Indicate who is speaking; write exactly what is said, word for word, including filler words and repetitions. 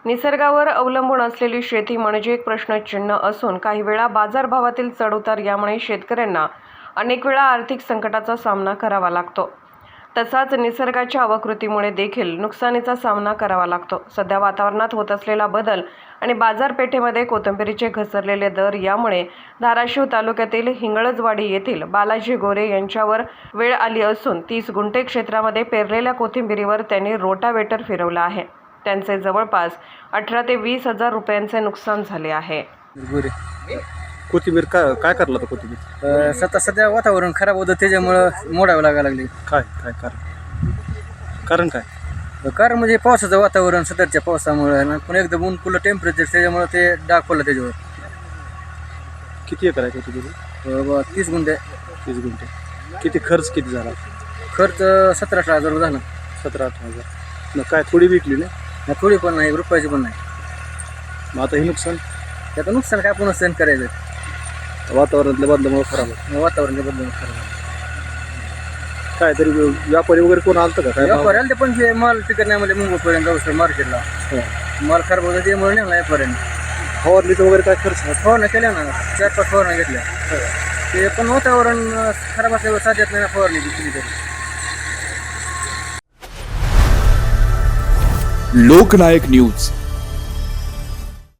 Speaker 1: निसर्गावर अवलंबून असलेली शेती म्हणजे एक प्रश्नचिन्ह असून काही वेळा बाजारभावातील चढउतार यामुळे शेतकऱ्यांना अनेक वेळा आर्थिक संकटाचा सामना करावा लागतो। तसाच निसर्गाच्या अवकृतीमुळे देखील नुकसानीचा सामना करावा लागतो। सध्या वातावरणात होत असलेला बदल आणि बाजारपेठेमध्ये कोथिंबीरीचे घसरलेले दर यामुळे धाराशिव तालुक्यातील हिंगळजवाडी येथील बालाजी गोरे यांच्यावर वेळ आली असून तीस गुंठे क्षेत्रामध्ये पेरलेल्या कोथिंबीरीवर त्यांनी रोटावेटर फिरवला आहे। त्यांचे जवळपास अठरा ते वीस हजार रुपयांचे नुकसान झाले आहे।
Speaker 2: गोरे
Speaker 3: कोथिंबीर काय काय करला तर कोथिंबीर
Speaker 2: सध्या सध्या वातावरण खराब होतं त्याच्यामुळं मोडावं लागायला लागले।
Speaker 3: काय काय कारण कारण काय
Speaker 2: कारण म्हणजे पावसाचं वातावरण सध्याच्या पावसामुळे ना पण एकदम ऊन पुलं टेम्परेचर त्याच्यामुळे ते डाग पडलं त्याच्यावर।
Speaker 3: किती एकर आहे कोथिंबीर
Speaker 2: ब- तीस गुंठे
Speaker 3: तीस गुंठे किती खर्च किती झाला
Speaker 2: खर्च सतरा अठरा हजार रुपये झाला।
Speaker 3: सतरा अठरा हजार मग काय थोडी विकली नाही
Speaker 2: थोडी पण नाही रुपयाची पण नाही।
Speaker 3: मग आता हे नुकसान
Speaker 2: त्याचं नुकसान काय पुन्हा सहन करायचं
Speaker 3: वातावरणातल्या बदलामुळे खराब आहे।
Speaker 2: वातावरणाच्या बदलून खराब
Speaker 3: काय तरी व्यापारी वगैरे कोण आलतं का काय भाव?
Speaker 2: व्यापाऱ्याला ते पण जे माल पिकत नाही म्हणजे मुंबईपर्यंत जाऊ शकतो मार्केटला
Speaker 3: हा.
Speaker 2: माल खराब होतं त्यामुळे नाही व्यापाऱ्याने
Speaker 3: फवारणीचं वगैरे काय खर्च आहे?
Speaker 2: फवारण्या केल्या ना चार पाच फवारण्या घेतल्या ते पण वातावरण खराब असल्यावर साथ येत नाही ना फवारणी केली तरी।
Speaker 4: लोकनायक न्यूज